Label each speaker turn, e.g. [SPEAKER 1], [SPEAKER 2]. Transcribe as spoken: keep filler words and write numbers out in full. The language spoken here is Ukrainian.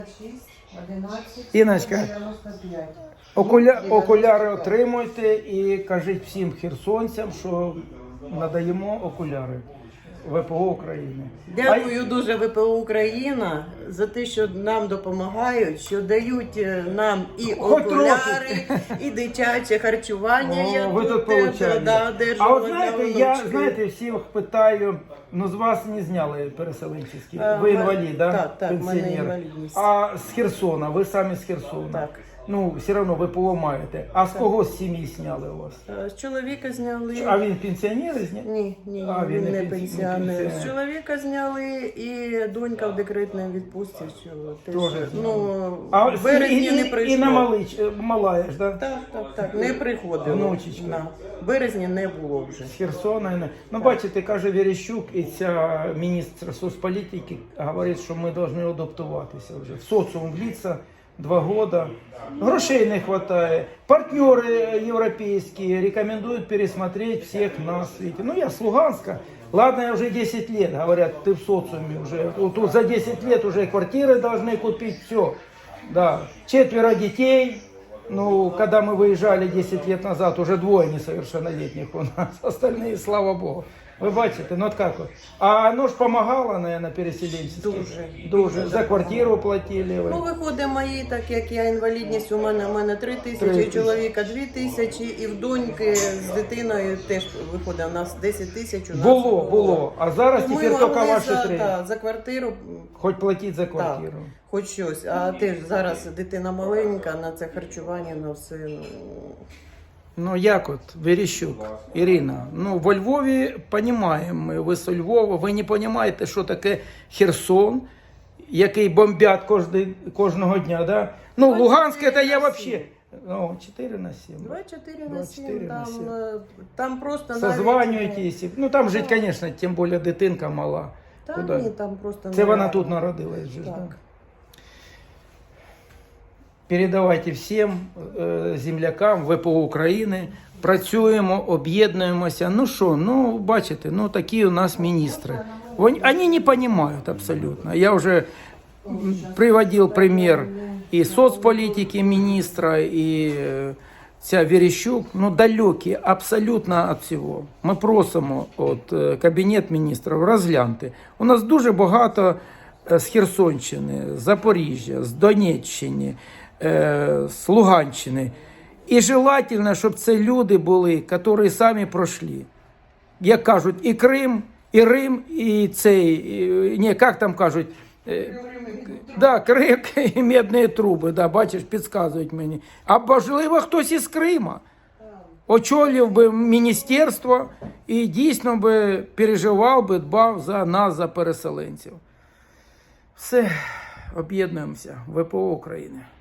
[SPEAKER 1] Іночка, окуля... окуляри отримуйте і кажіть всім херсонцям, що надаємо окуляри ВПО України.
[SPEAKER 2] Дякую дуже ВПО Україна за те, що нам допомагають, що дають нам і
[SPEAKER 1] Хоч
[SPEAKER 2] окуляри, і дитяче харчування.
[SPEAKER 1] О,
[SPEAKER 2] Я
[SPEAKER 1] ви тут
[SPEAKER 2] теж,
[SPEAKER 1] получаєте.
[SPEAKER 2] да,
[SPEAKER 1] А
[SPEAKER 2] одержувала
[SPEAKER 1] от знаєте,
[SPEAKER 2] для
[SPEAKER 1] я
[SPEAKER 2] внучки.
[SPEAKER 1] знаєте, всіх питаю, ну з вас не зняли переселенчеські.
[SPEAKER 2] А,
[SPEAKER 1] Ви
[SPEAKER 2] ма-
[SPEAKER 1] інвалід, да?
[SPEAKER 2] так, так, в мене
[SPEAKER 1] Пенсіонер.
[SPEAKER 2] інвалідність.
[SPEAKER 1] А з Херсона, ви самі з Херсона.
[SPEAKER 2] Так.
[SPEAKER 1] Ну, все одно ВПО маєте. А з кого з сім'ї зняли у вас?
[SPEAKER 2] А, З чоловіка зняли.
[SPEAKER 1] А він пенсіонер зняв?
[SPEAKER 2] Ні, ні,
[SPEAKER 1] А, він
[SPEAKER 2] він
[SPEAKER 1] не
[SPEAKER 2] не
[SPEAKER 1] пенсі-
[SPEAKER 2] пенсіонер.
[SPEAKER 1] не пенсіонер.
[SPEAKER 2] З чоловіка зняли і донька в декретній відпустці. Що теж,
[SPEAKER 1] Тоже
[SPEAKER 2] ну,
[SPEAKER 1] А
[SPEAKER 2] в березні
[SPEAKER 1] і,
[SPEAKER 2] не
[SPEAKER 1] і,
[SPEAKER 2] прийшло.
[SPEAKER 1] і на малич, малая ж, да?
[SPEAKER 2] Так, так, так, не приходило.
[SPEAKER 1] Внучечка.
[SPEAKER 2] На. В березні не було вже.
[SPEAKER 1] З Херсона. і не- Ну, бачите, каже Верещук, і ця міністр соцполітики говорить, що ми повинні адаптуватися вже. В соціум влитися два года. Грошей не хватает. Партнеры европейские рекомендуют пересмотреть всех нас. Видите. Ну, я с Луганска. Ладно, я уже десять лет, говорят, ты в социуме уже. Вот тут за десять лет уже квартиры должны купить, все. Да. Четверо детей. Ну, когда мы выезжали десять лет назад, уже двое несовершеннолетних у нас. Остальные, слава богу. Ви бачите, ну от як от. А воно ж допомагало, наверное, переселенцям?
[SPEAKER 2] Дуже.
[SPEAKER 1] Дуже. За квартиру платили ви?
[SPEAKER 2] Ну, виходить мої, так як я інвалідність, у мене, у мене три
[SPEAKER 1] Три
[SPEAKER 2] тисячі,
[SPEAKER 1] тисячі.
[SPEAKER 2] чоловіка дві тисячі, і в доньки з дитиною теж виходить, у нас десять тисяч. У нас
[SPEAKER 1] Було, було. А зараз
[SPEAKER 2] Ми
[SPEAKER 1] тепер тільки
[SPEAKER 2] могли
[SPEAKER 1] ваші
[SPEAKER 2] за,
[SPEAKER 1] три.
[SPEAKER 2] та, за квартиру,
[SPEAKER 1] Хоч платіть за
[SPEAKER 2] так,
[SPEAKER 1] квартиру.
[SPEAKER 2] хоч щось. А теж зараз дитина маленька, на це харчування, на все. Ну,
[SPEAKER 1] Ну як от, Верещук, Ірина, ну во Львові розуміємо ми, ви з Львова, ви не розумієте, що таке Херсон, який бомбять кожний, кожного дня, да? Ну, Луганськ, це я взагалі, ну, чотири на сім.
[SPEAKER 2] двадцять чотири на
[SPEAKER 1] двадцять чотири
[SPEAKER 2] сім,
[SPEAKER 1] на
[SPEAKER 2] там,
[SPEAKER 1] сім.
[SPEAKER 2] е, там просто
[SPEAKER 1] Созванюєтесь, ну там жить, звісно, тим більше дитинка мала.
[SPEAKER 2] Та
[SPEAKER 1] Куди?
[SPEAKER 2] ні, там просто
[SPEAKER 1] Це
[SPEAKER 2] не
[SPEAKER 1] вона
[SPEAKER 2] реально.
[SPEAKER 1] тут народилась же, ж,
[SPEAKER 2] Так.
[SPEAKER 1] да? Передавайте всім е, землякам ВПО України. Працюємо, об'єднуємося. Ну що, ну бачите, ну такі у нас міністри. Вони, вони не розуміють абсолютно. Я вже м, приводив примір і соцполітики міністра, і е, ця Верещук, ну далекі абсолютно від всього. Ми просимо от, е, Кабінет міністрів розглянути. У нас дуже багато е, з Херсонщини, з Запоріжжя, з Донеччини, е, з Луганщини. І желательно, щоб це люди були, які самі пройшли. Як кажуть, і Крим, і Рим, і цей, і, ні, як там кажуть, е, да, Крим і медні труби, да, бачиш, підказують мені. А можливо, хтось із Крима очолив би міністерство і дійсно би переживав би, дбав за нас, за переселенців. Все, об'єднуємося. ВПО України.